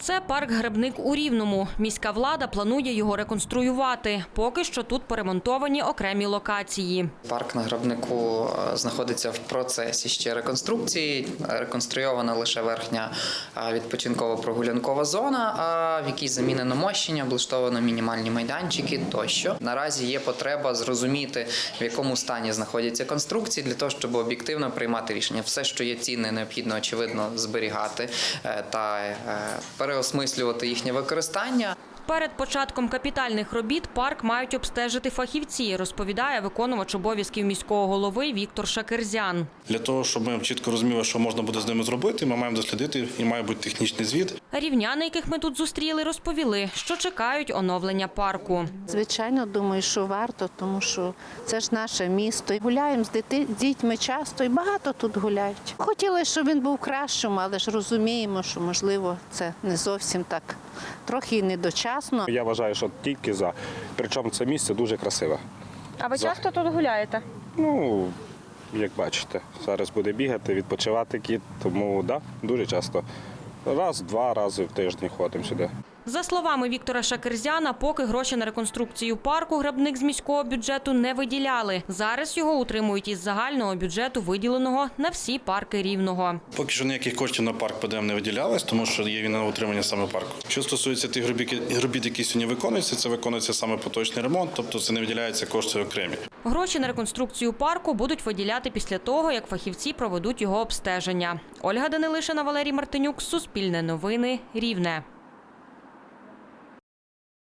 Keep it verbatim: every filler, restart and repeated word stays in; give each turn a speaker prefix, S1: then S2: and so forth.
S1: Це парк Гребник у Рівному. Міська влада планує його реконструювати. Поки що тут поремонтовані окремі локації.
S2: Парк на Гребнику знаходиться в процесі ще реконструкції. Реконструйована лише верхня відпочинково-прогулянкова зона, а в якій замінено мощення, облаштовано мінімальні майданчики тощо. Наразі є потреба зрозуміти, в якому стані знаходяться конструкції, для того, щоб об'єктивно приймати рішення. Все, що є цінне, необхідно, очевидно, зберігати та переосмислювати їхнє використання.
S1: Перед початком капітальних робіт парк мають обстежити фахівці, розповідає виконувач обов'язків міського голови Віктор Шакерзян.
S3: Для того, щоб ми чітко розуміли, що можна буде з ними зробити, ми маємо дослідити і має бути технічний звіт.
S1: Рівняни, яких ми тут зустріли, розповіли, що чекають оновлення парку.
S4: Звичайно, думаю, що варто, тому що це ж наше місто. Гуляємо з діти, дітьми часто і багато тут гуляють. Хотіли, щоб він був кращим, але ж розуміємо, що, можливо, це не зовсім так, трохи і недочасно.
S5: Я вважаю, що тільки за. Причому це місце дуже красиве.
S6: А ви
S5: За.
S6: часто тут гуляєте?
S5: Ну, як бачите, зараз буде бігати, відпочивати кіт, тому да, дуже часто. Раз-два рази в тиждень ходимо сюди.
S1: За словами Віктора Шакерзяна, поки гроші на реконструкцію парку Гребник з міського бюджету не виділяли. Зараз його утримують із загального бюджету, виділеного на всі парки Рівного.
S3: Поки що ніяких коштів на парк ПДМ не виділялось, тому що є він на утримання саме парку. Що стосується тих робіт, які сьогодні виконуються, це виконується саме поточний ремонт, тобто це не виділяються кошти окремі.
S1: Гроші на реконструкцію парку будуть виділяти після того, як фахівці проведуть його обстеження. Ольга Данилишина, Валерій Мартинюк, Суспільне новини, Рівне.